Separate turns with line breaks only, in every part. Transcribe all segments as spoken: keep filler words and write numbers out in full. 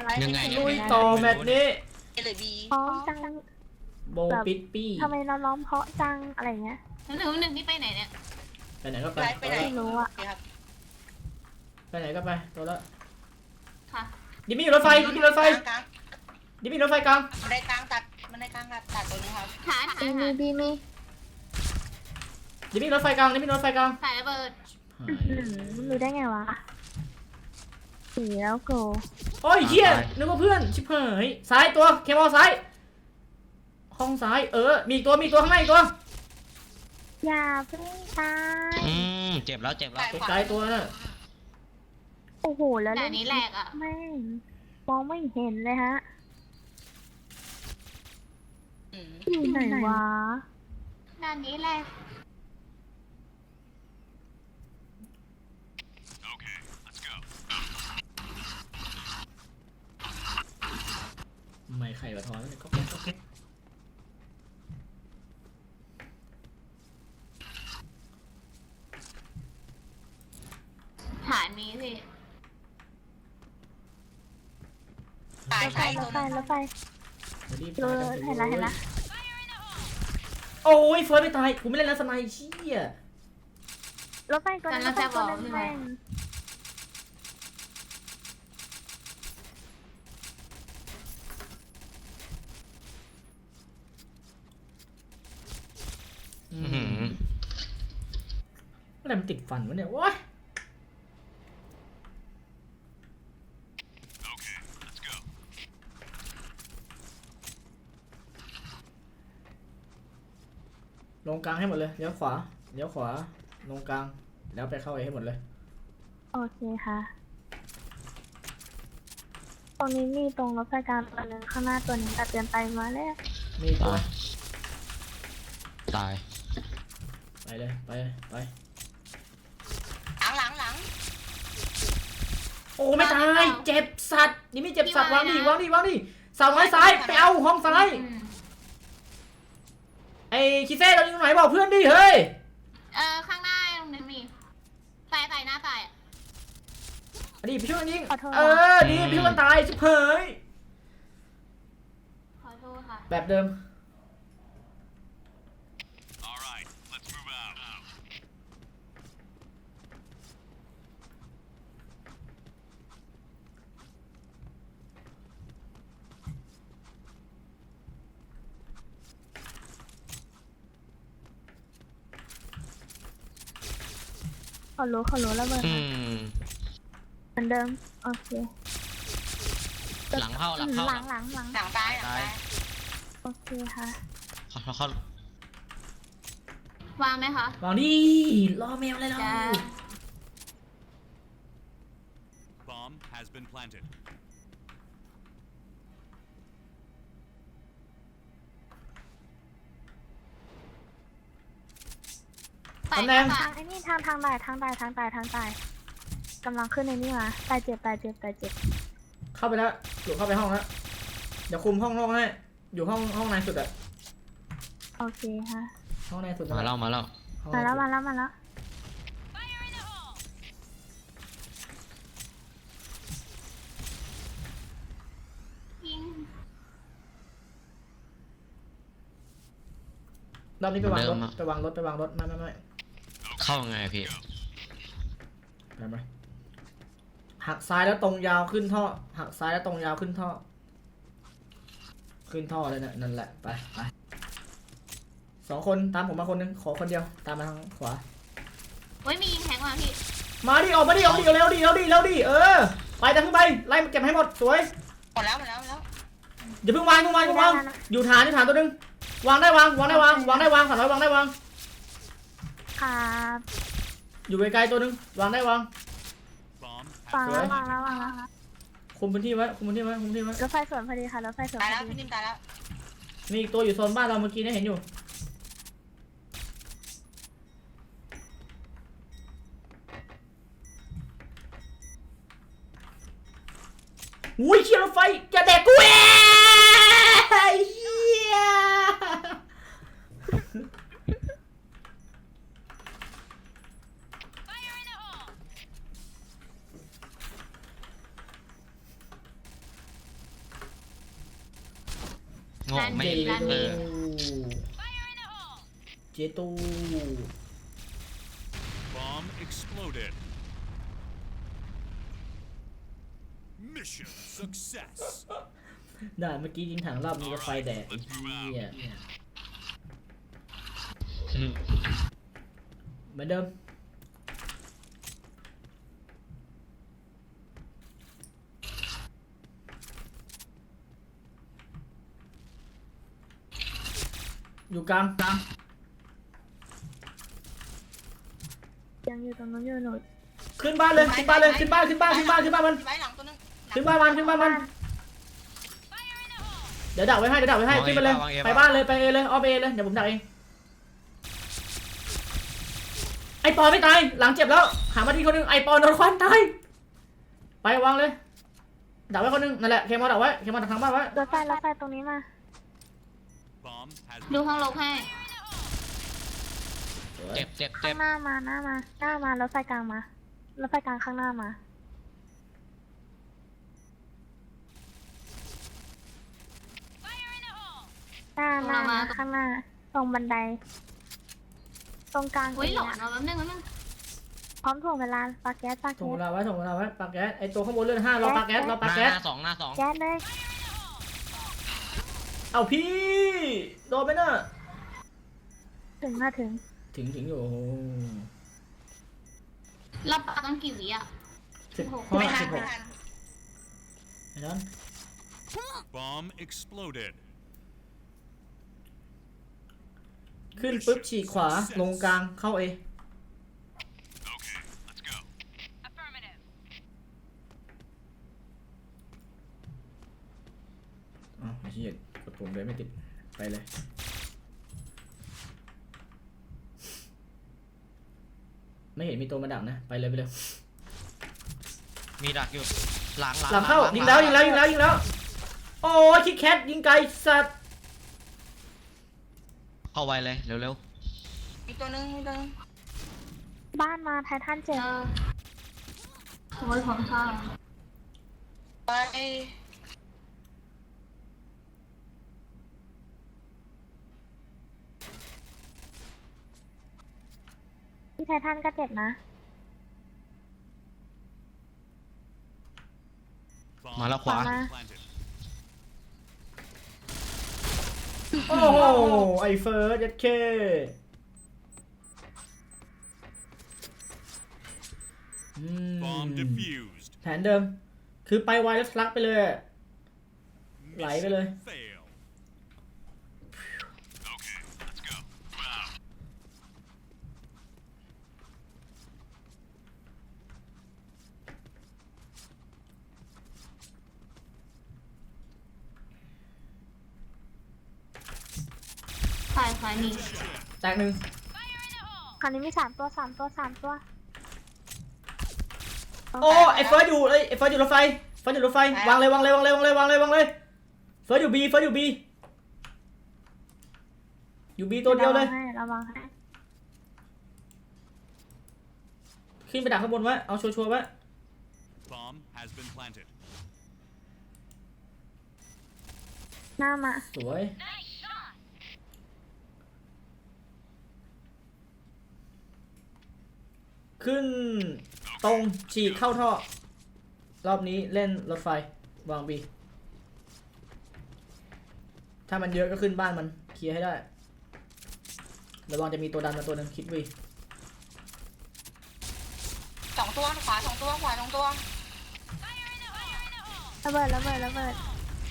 ยังไง
ลุยต่อแมตช์นี้
เอหรือบี
เพราะจัง
โบปิดปี้
ทำไมเราร้องเพราะจังอะไรเงี้ย
หนึ่งหนึ่งนี่ไปไหนเนี่ย
ไปไหนก็ไป
ไลฟ์ไปไหน
ไม่รู้อะ
โเคครับ
ไปไหนก็ไปตัวละ
ค่ะ
ดิมี่รถไฟดิมี่รถไฟ
กลาง
ดิมี่รถไฟกลาง
ๆมันได้กลางตัดมันได้กลางตัดตัดตัวนี้ครับ
ฐานฐา
บี
น
มี
ฐาน
บีมี
ดิมี่รถไฟกลางดิมี่รถไฟกลาง
สายระเบิด
หาย
อืมรู้ได้ไงวะสีแล้วโก
โอ้ยเฮียนึกว่าเพื่อนชิบหายซ้ายตัวเคมอลซ้ายห้องซ้ายเออมีตัวมีตัวข้างในตัว
อย่าเพิ่งตาย
อืมเจ็บแล้วเจ็บแล้ว
ตกใจตัวน่ะ
โอ้โหแล้ว
แต่นี้แหลกอ่ะ
แม่งมองไม่เห็นเลยฮะ
อืม
อยู่ไหนวะ
ด้านนี้แหลก
ไม่ไข่กระท้อนก็แค่ก็แค่
ฐานนี้สิ
ตาย
รถไฟ
ตาย
ร
ตัว
ถไฟ
นึง
รถไฟ
รีบ
เออเห็นละเห็นละ
โอ้ยเฟิร์สไม่ตายกูไม่เล่นแล้วสไนเชี่ย
รถไฟตัวนึงรถไฟตัวนึงแม่ง
อื
อื้อหื
ม
อ
อะไรมันติดฟันวะเนี่ยวะลงกลางให้หมดเลยเลี้ยวขวาเลี้ยวขวาลงกลางแล้วไปเข้าไอ้ให้หมดเลย
โอเคค่ะ ตรงนี้มีตรงรถไฟกลางตัวนึงข้างหน้าตัวนึงตัดเตือนไปมาแล้ว
มีอีกตัว
ตาย
ไปเลยไปไป
หลังหลังหลัง
โอ้ไม่ตายเจ็บสัตว์นี่ไม่เจ็บสัตว์วางดิวางดิวางดิเสาไม้ซ้ายไปเอาห้องซ้าย
อืม
ไอ้คิเซ่เราอยู่ตรงไหนบอกเพื่อนดิเฮ้ย
เออข้างหน้าตรงนี้มีตายตายหน้าตายอ่ะ
อันนี้ไปช่วยกันยิงเออดีไปช่วยกันตายชิบเผย
ขอโทษค่ะ
แบบเดิม
ขอรู้ขอรู้แล้วเบอร์
อืม
เหมือนเดิมโอเค
หลังเข้าหลังเข้า
หลังหลังหลัง
หลังตายหลังตาย
โอเคค่ะ
เขาเขาเขา
วางไหมคะ
วางดิรอแมวอะไรเรา
จ้า
Bomb has been planted.
ตายหน้าตา
ทาย งไอ้นี่ทางทางใต้ทางใต้ทางใต้ทางใต้กำลังขึ้นในนี่มาตายเจ็บตายเจ็บตายเจ็บ
เข้าไปแล้วอยู่เข้าไปห้องแล้วเดี๋ยวคุมห้องนอกให้อยู่ห้องห้องในสุดอะ
โอเคค่ะ
ห้องในสุด
มาแล้วมาแล้ว
ห้อง
มา
ใน
แล้ว
สุด
มาแล้วมาแล้ว
ยิง
รอบนี้ไปวางรถไปวางรถไปวางรถไม่ไม่ไม่
เข้ายังไงพี่
ไปไหมหักซ้ายแล้วตรงยาวขึ้นท่อหักซ้ายแล้วตรงยาวขึ้นท่อ ขึ้นท่อเลยเนี่ยนั่นแหละไปไปสองคนตามผมมาคนนึงขอคนเดียวตามมาทางขวา
เฮ้ยมียิงแทงมาพี่
มาดิออกมาดิออกดิเร็วดิเร็วดิเร็วดิเออไปตามขึ้นไปไล่เก็บให้หมดสวย
หมดแล้วหมดแล้วหมดแล้ว
อย่าเพิ่งวางเพิ่งวางเพิ่งวางอยู่ฐานอยู่ฐานตัวนึงวางได้วางวางได้วางวางได้วางสามร้อยวางได้วาง
ครับ
อยู่ไกลๆตัวนึงวางได้วาง
Bomb
วาง
has
แล้ววางแล้ววางแล้ว
คุมพื้นที่ไว้คุมพื้นที่ไว้คุมพื้นที่ไว้
รถไฟสวนพอดีค่ะรถไฟสวน
ตาย
พ
แล้
อ
ว
ดี
พี่นิ่มตายแล้ว
มีอีกตัวอยู่โซนบ้านเราเมื่อกี้เนี่ยเห็นอยู่อุ้ยเชี่ยรถไฟอย่าแดกกูเอ้ยเหี้ย
โง่ไม่
เจ
เห็น
ตู
เออ
เจตู
Bomb exploded. Mission success.
ด่านเมื่อกี้ยิงถังรอบนี้ก็ไฟแดดไอ้เหี้ย
อืม
เหมือนเดิมอยู่กลางกลาง
ยังอยู่ตรงนู้นอยู่หนู
ขึ้นบ้านเลยขึ้นบ้านเลยขึ้นบ้านขึ้นบ้านขึ้นบ้านขึ้นบ้านมัน
ไว้หลังตัวนึง
ขึ้นบ้านมันขึ้นบ้านมันเดี๋ยวดักไว้ให้เดี๋ยวดักไว้ให้ขึ้นไปเลยไปบ้านเลยไปเอเลยออฟเอเลยเดี๋ยวผมดักเองไอปอไม่ตายหลังเจ็บแล้วหามาดีคนหนึงไอปอโดนควันตายไปวางเลยดักไว้คนหนึงนั่นแหละเคมอดักไว้เคมอดักทางบ้านไว้
รถไฟรถไฟตรงนี้มา
Bomb has
ดูห้องลบให้
เจ็บเจ็บ
ข้า
เจ็
ง
บ
หน้ามาหน้ามาหน้ามารถไฟกลางมารถไฟกลางข้างหน้ามาหน้าหน้า
มา
ข้างหน้า ตรงบันได ตรงกลาง
อุ้ยหลอน
ตรง
เอาแป๊บนึงแป๊บนึง
พร้อมถ่วงเวลาปาแก๊สปา
ส่ง
แก๊
เว
ส
ลาไว้ส่งเวลาไว้ปากแก๊สไอตัวข้างบนเลื่อนห้ารอปากแก๊สรอ
ห
ปาก
น้า
แก๊ส
หน้าสองหน้าสอง
แก๊สเลย
เอาพี่โดนไปน่ะ
ถึงมาถึง
ถึงถึงอยู่โอ้โห
รับปากต้องกี่วิอ่ะ
สิบหก
ไม่ทัน
สิบห
ไม่
ก
ทัน
ไอ้นั้น
bomb exploded.
ขึ้นปุ๊บฉีกขวาลงกลางเข้าเอ
Okay, let's go.
อ๋อไอ้เหี้ยกดปุ่มเลยไม่ติดไปเลยไม่เห็นมีตัวมาดักนะไปเลยไปเลย
มีดักอยู่หลังหลัง
หลังเข้ายิงแล้วยิงแล้วยิงแล้วยิงแล้วโอ้ยคิกแคทยิงไกลสัตว์
เข้าไวเลยเร็ว
มีตัวนึงมีตัวนึง
บ้านมาไททันเจ็
เจ
บ
อขโมยของข้าว
ไป
ที่ไททันก็เจ็บนะ
Bomb
มาแล้วขวา
ขวา
planted.
โอ้โหไอเฟิร์สยัดเคอืม
Bomb defused.
แผนเดิมคือไปไวแล้วทะลักไปเลยอะ Lại cái
Mission
lời.
fail. Okay, let's go. Wow.
ฝ่ายฝ่ายนี่
แตกหนึ่ง
คราวนี้มีสามตัวสามตัวสามตัว
โอ้ไอเฟิร์สอยู่เอ้ยไอเฟิร์สอยู่รถไฟเฟิร์สอยู่รถไฟวางเลยวางเลยวางเลยวางเลยวางเลยวางเลยเฟิร์สอยู่บีเฟิร์สอยู่บีอยู่บีตัวเดียวเลย
ให้ระวังให้
ขึ้นไปดักข้างบนไว้เอาชัวร์ๆไว้
Bomb has been planted.
หน้ามา
สวยขึ้นตรงฉีกเข้าท่อรอบนี้เล่นรถไฟวางบีถ้ามันเยอะก็ขึ้นบ้านมันเคลียร์ให้ได้ระวังจะมีตัวดันมาตัวหนึงคิดวี
สองตัวขวาสองตัวขวาสองตัว
ระเบิดระเบิดระเบิด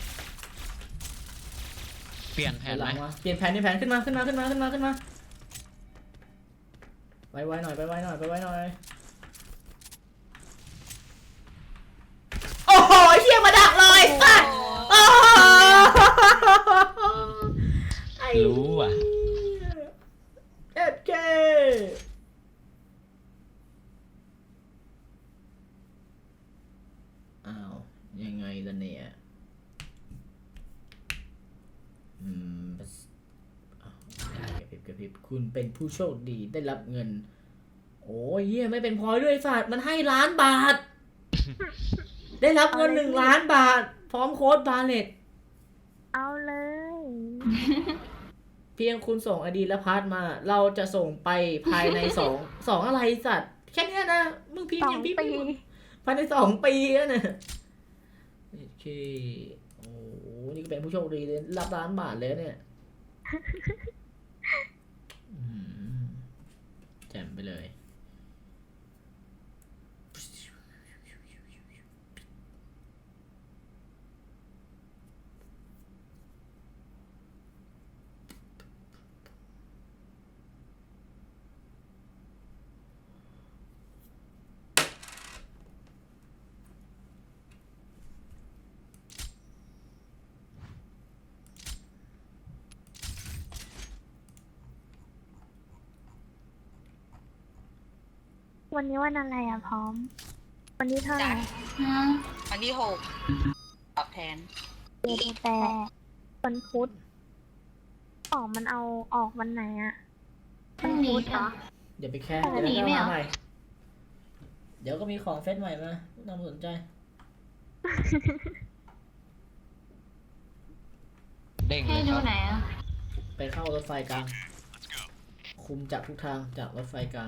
เปลี่ยนแผน
ห
ไหม
ลังมาเปลี่ยนแผนนี่แผนขึ้นมาขึ้นมาขึ้นมาขึ้นมาขึ้นมาไวๆหน่อยไปไวหน่อยไปไวหน่อยโอ้โหเฮียมาดักเลยสัตว์โอ้โหไอ้
รู้อ่ะ
เอ็ดเคอ้าวยังไงล่ะเนี่ยอืมอ้าวกระพริบกระพริบคุณเป็นผู้โชคดีได้รับเงินโอ้ยเฮียไม่เป็นพลอยด้วยสัตว์มันให้ล้านบาท ได้รับเงินหนึ่งล้านบาท พร้อมโค้ดบาเลต
เอาเลย
เพียงคุณส่งไอดีและพาร์ทมา เราจะส่งไปภายในสองสองอะไรสัตว์ แค่เนี้ยนะ มึงพิม
ส
พ์
อ
ยัง งพิมพ์
ปี
ไม่หมดภายในสองปีแล้วนะโอเคโอ้โหนี่ก็เป็นผู้โชคดีเลยรับล้านบาทเลยเนี่ยอืมแจ่มไปเลย
วันนี้วันอะไรอ่ะพร้อม วันนี้เท่าไหร่
อืมวันที่หกตอบแทน
เดือนแปดวันพุธออกมันเอาออกวันไหนอ่ะ
พรุ่งนี้เหรอ
อย่าไปแค่
ปกติ
เดี๋ยว
ไม่
ก็
เหรอ
มาใหม่ เดี๋ยวก็มีของเซตใหม่มาไม่ต้องสนใจ
เด้งเล
ให้
ย
ดู
ครับ
ไหนอ่ะ
ไปเข้ารถไฟกลาง คุมจากทุกทางจากรถไฟกลาง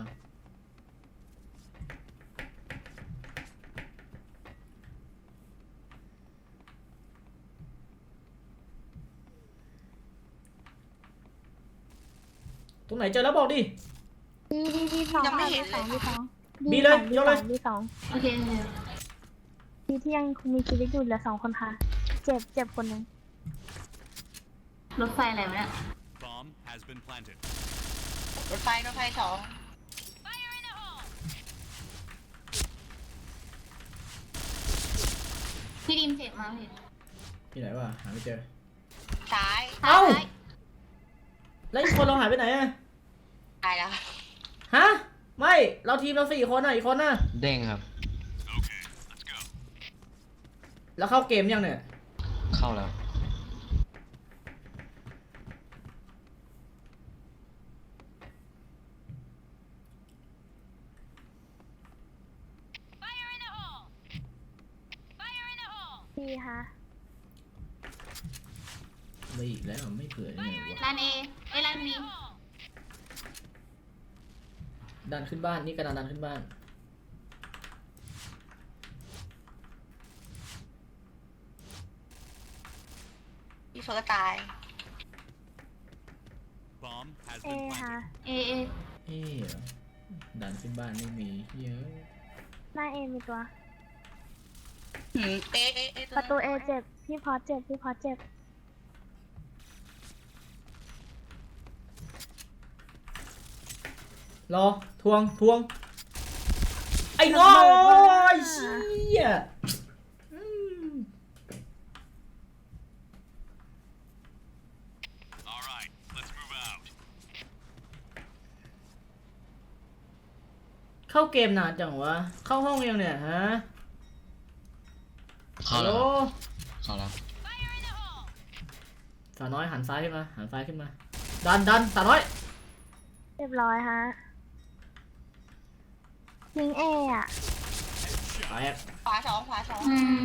ตรงไหนเจอแล้วบอกดิ
ดีดีดีสอง
ยังไม่เห็น
สอง
เลย
ดีสอง
บีเลย
ดี
ยกเลย
สองดีสอง
โอเคโอเค
ดีที่ยังมีชีวิตอยู่เหลือสองคนค่ะ เจ็บเจ็บคนหนึ่ง
รถไฟอะไรวะเนี่ย
Bomb has been planted.
รถไฟรถไฟสอง
พี่ดิมเจ็บมาพี่
ที่ไหนวะหาไม่เจอ
ซ้าย
เอ้า
ซ้ย
แล้วอีกคนเราหายไปไหนอะ
ตายแล้ว
ฮะ ไม่ เราทีมเราสี่คนน่ะ อีกคนน่ะ
เด้งครับ
Okay, let's go.
แล้วเข้าเกมยังเนี่ย
เข้าแล้ว
ดีค่ะ
ไม่อีกแล้วไม่เผื่อยังไงวะ
ร้านเอไอยร้านบี
ดันขึ้นบ้าน นี่กระดานดันขึ้นบ้าน
พี่เฟิร์สตาย
Bomb has
เอ
been
ค่ะ
planted.
เอเอ
เอ๊ะดันขึ้นบ้านไม่มีเยอะ
หน้าเอมีตัว
หืมเอเอเอ
ประตูเอเจ็บ พี่พอเจ็บ พี่พอเจ็บ
รอ ทวง ทวง ไอ้ง้อ
ระเบิดมา
ไอ้เชี่ยอืม
All right, let's move out.
เข้าเกมนานจังวะ เข้าห้องยังเนี่ยฮะ
เข้า
ฮัล
แล้
โหล
วครับเข้าแล้ว
สาวน้อยหันซ้ายขึ้นมา หันซ้ายขึ้นมา ดันดันสาวน้อย
เรียบร้อยฮะยิงเออ่ะ
แตก
ขวาสองขวาสอง
อืม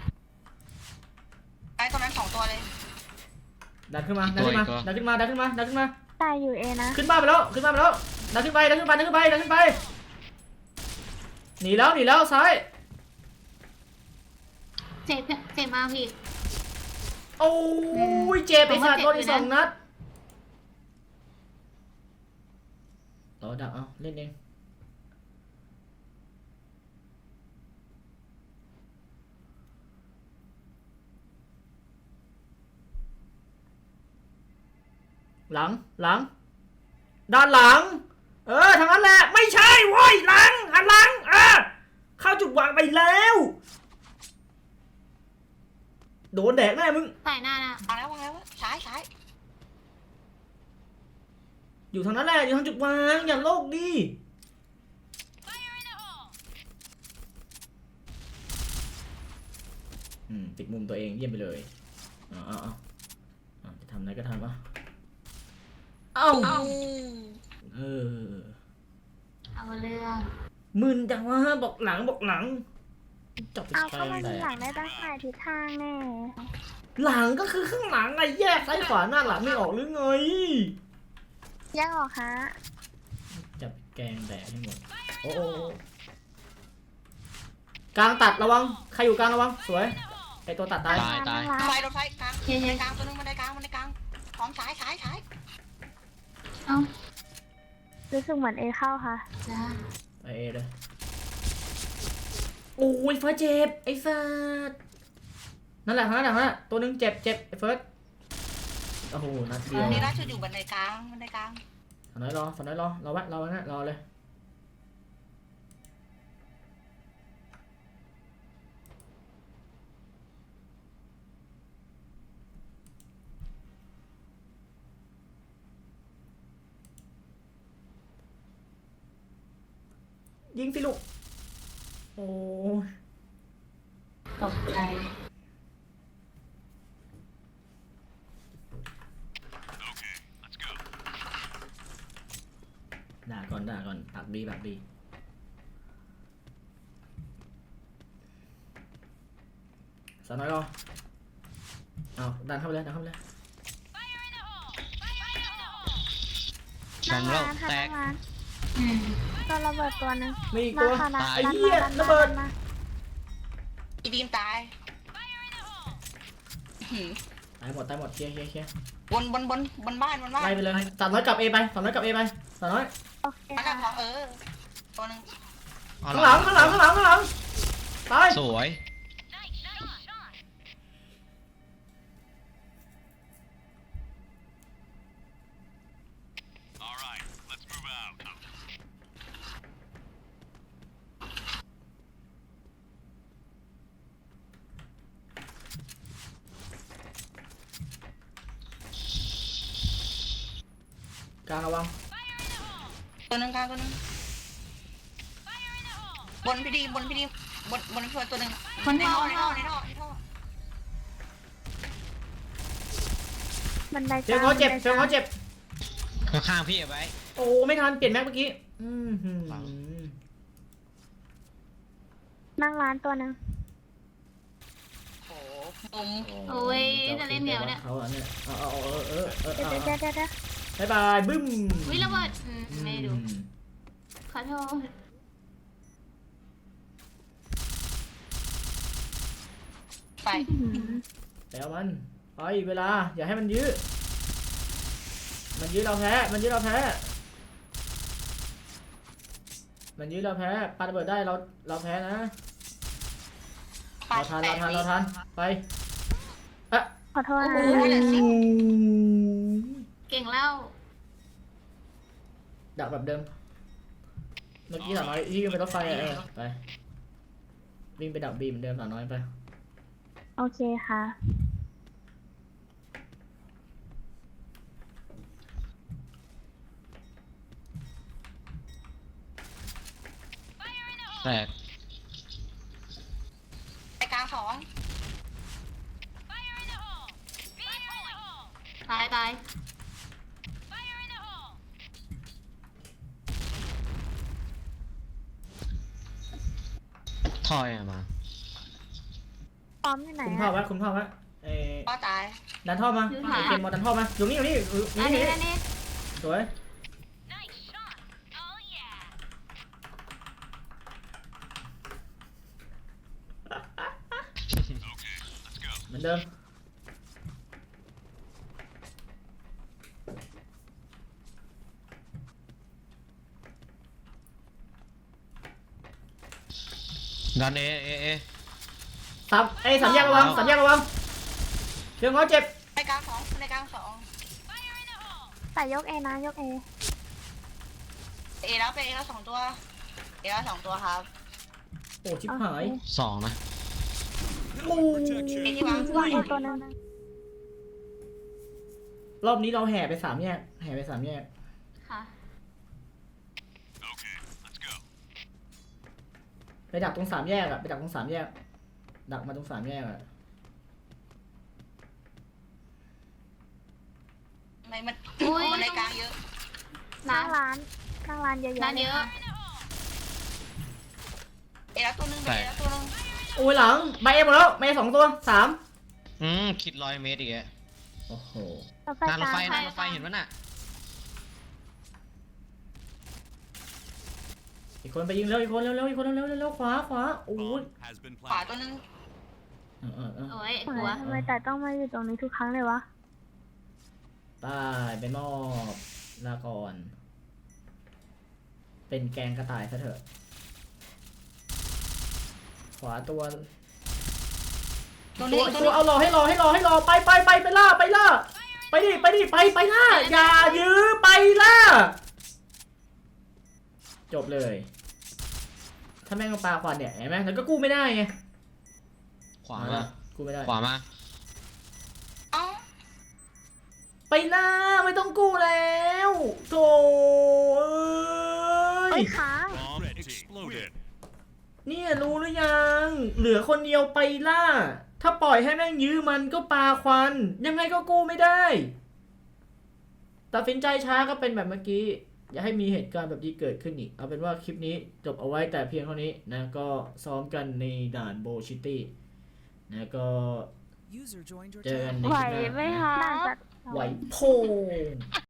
ไอ้ตรงนั้นสองตัวเลย
ดันขึ้นมา ดันขึ้นมา ดันขึ้นมา ดันขึ้นมา ดันขึ้นมา
ตายอยู่เอนะ
ขึ้นบ้านไปแล้ว ขึ้นบ้านไปแล้ว ดันขึ้นไป ดันขึ้นไป ดันขึ้นไป ดันขึ้นไป หนีแล้ว หนีแล้ว ซ้าย
เจ็บเจ็บมากพี่
โอ้ยเจ็บไอ้สัตว์โดนอีกสองนัดรอดักเอาเล่นเองหลังหลัง ด้านหลัง เออทางนั้นแหละ ไม่ใช่โว้ยหลังหันหลังเออเข้าจุดวางไปแล้ว โดนแดกแน่มึง
ใส่หน้านะ
วางแล้ววางแล้วซ้ายซ้าย
อยู่ทางนั้นแหละ อยู่ทางจุดวาง อย่าโลกดิอืมปิดมุมตัวเองเยี่ยมไปเลยเอาเอาเอาเอาจะทำอะไรก็ทำอ่ะเอ้าเออ
เอาเรื่อง
มึนจังวะบอกหลังบอกหลังจับไป
เอา
ใช้
ก็มัน
แต่
มีหลังได้ตั้งหลายทิศทางแน่
หลังก็คือข้างหลังไงแยกซ้ายขวาหน้าหลังไม่ออกหรือไง
แยกออกฮะ
จับแกงแดดให้หมดโอ้โอ้กลางตัดระวังใครอยู่กลางระวังสวยไอตัวตัดตาย
ตายตาย
ไฟรถไฟกลางบันไดกลางตัวนึงบันไดกลางบันไดกลางของซ้ายซ้ายซ้าย
เอ้า
รู้สึกเหมือนเอเข้าค่ะ
จ้า
ไปเอเลยโอ้ยเฟิร์สเจ็บไอ้สัสนั่นแหละนั่นแหละนั่นแหละตัวนึงเจ็บเจ็บไอ้เฟิร์สโอ้โหนัดเดียว
นี่ราชอยู่บันไดกลางบันไดกลาง
สน้อยรอสน้อยรอรอไว้รอไว้นะรอเลยยิงสิลูกโอ้ย
ตกใจ
Okay, let's go.
ด่าก่อนด่าก่อนปากดีปากดีสน้อยรอเอาดันเข้าไปเลยดันเข้าไปเลย
แบ่งแล้ว
นั่งร้านค่ะ
แตก
นั่งร้าน
อืม
ตัวระเบิดตัวหนึง
มีอีก
มา
ตัว
ค่ะนะ
ตาย
ไอ้
ดัน
เหี้
มาย ดัน
ระ
มา
เบิด
ดันมา
อีดีมตายหืม
ตายหมดตายหมดเคลียร์เคลียร์เคลียร์
บนบนบนบนบ้านบนบ้าน
ไล่ไปเลยสามน้อยกลับเอไปสามน้อยกลับเอไปสามน้อย
โอเค
มันกับขอ
ค่ะ
งเออตัวนึง
เอา
ข้างหลังข้างหลังข้างหลังข้างหลังตาย
สวย
All right, let's move out.
กลางระวัง
ตัวนึงกลางตัวนึงบนพี่ดีบนพี่ดีบนบนพี่ตัวนึงในท่อในท่อในท่อในท่อ
บันได
เฟียงเขาเจ็บ
บันได
เฟียงเขาเจ็บ
ข้างๆพี่เอาไว้
โอ้ไม่ทันเปลี่ยนแม็กเมื่อกี้อืมหืม
นั่งร้านตัวหนึง
โอ้มุม
โอ้ยจะเล่นเหนียวเนี่ย
เขาอ่ะเนี่ยเอาเอาเอาเออเออเออ
เดี๋ยว
เอา
เดี๋ยวเดี๋ยวเดี๋ยว
บายบายบึ้ม
วิระเบิดอืมไม่ดู
อืม
ขอโทษ
ไป
อื้อหือ
ไปเอามันไปเวลาอย่าให้มันยื้อมันยื้อเราแพ้มันยื้อเราแพ้มันยื้อเราแพ้ปาระเบิดได้เราเราแพ้นะ
ไป
เราทันเราทันเราทันไปอ่ะ
ขอโทษ
โอ้
นะ
โหเหลือสิบ
เก่งแล้ว
ดักแบบเดิมเมื่อกี้สาวน้อยที่วิ่งไปรถไฟอะเออไปวิ่งไปดักบีเหมือนเดิมสาวน้อยไป
โอเคค่ะ
แตก
ไปกลางสอง
ตายตาย
ถอยอะมา
พร้อมอยู่ไหน
คุมท่อ
อะ
ไว้คุมท่อไว้เออ
ก็ตาย
ดันท่อมาไอเกมมอดันท่อมาอยู่นี่อยู่นี่อยู่
อัน
นี่
นี้
อยู่
อัน
นี่
นี้
สวยเหมือนเดิม
ดันเอเอเอ
สามไอ้สามแยกระวังสามแยกระวังเชียงเขาเจ็บ
ไปกลางสองไปกลางสอง
แต่ยกเอนะยกเอ
เอแล้วไปเอแล้วสองตัวเอแล้วสองตัวครับ
โอ้ชิบหาย
สองนะ
โอ้
เอที่วาง
วางเอตัวหนึง
รอบนี้เราแห่ไปสามแยกแห่ไปสามแยก
ค่ะ
Okay, let's go.
ไปดักตรงสามแยกอะไปดักตรงสามแยกดักมาตรงสามแยกอะ
ไม่มัน
อุ๊ย
มันในกลางเยอะ
นั่
ร้าง น
ร้านนั่งร้านเยอะๆ
ร้านเยอะ
เอแล้วตัวนึงไปเอแล้วตัวนึง
โอ้ยหลังใบเอหมดแล้วใบเอสองตัวสาม
อืมคิดร้อยเมตรอีกอะ
โอ้โห
รถไฟ
นานรถไฟ
กลาง
นานรถไฟเห็นปะน่ะ
อีกคนไปยิงเร็วอีกคนเร็วเร็วอีกคนเร็วเร็วเร็วขวาขวาโอ้ย
Bomb has been
ขวา
planted.
ตัวนึง
เออเออเออ
โอ้ย
ทำ
กลัว
ไมทำไมแต่ต้องมาอยู่ตรงนี้ทุกครั้งเลยวะ
ตายไปมอบลาก่อน เป็นแกงกระต่ายซะเถอะ ขวาตัว
ตัว
ตั
นี้
ว
ตัว
ตัว
นี้
เอารอให้รอให้รอให้รอไปไปไปไปล่าไปล่าไปดิไปดิไปไปล่าอย่ายื้อไปล่าจบเลย ถ้าแม่งเอาปลาควันเนี่ยเห็นไหมแล้วก็กู้ไม่ได้ไง
ขวามา
กู้ไม่ได้
ขวามา
เอ้า
ไปล่าไม่ต้องกู้แล้วโถเอ้
เอ้
ย
ยค้าง
Bomb exploded.
เนี่ยรู้หรือยัง เหลือคนเดียวไปล่า ถ้าปล่อยให้แม่งยื้อมันก็ปาควัน ยังไงก็กู้ไม่ได้ ตัดสินใจช้าก็เป็นแบบเมื่อกี้ อย่าให้มีเหตุการณ์แบบนี้เกิดขึ้นอีก เอาเป็นว่าคลิปนี้จบเอาไว้แต่เพียงเท่านี้นะก็ซ้อมกันในด่านโบชิตี้นะก็
User joined your
เจอกันใน
channel.
คลิปหน้า
น่าจะ
ไหวโพง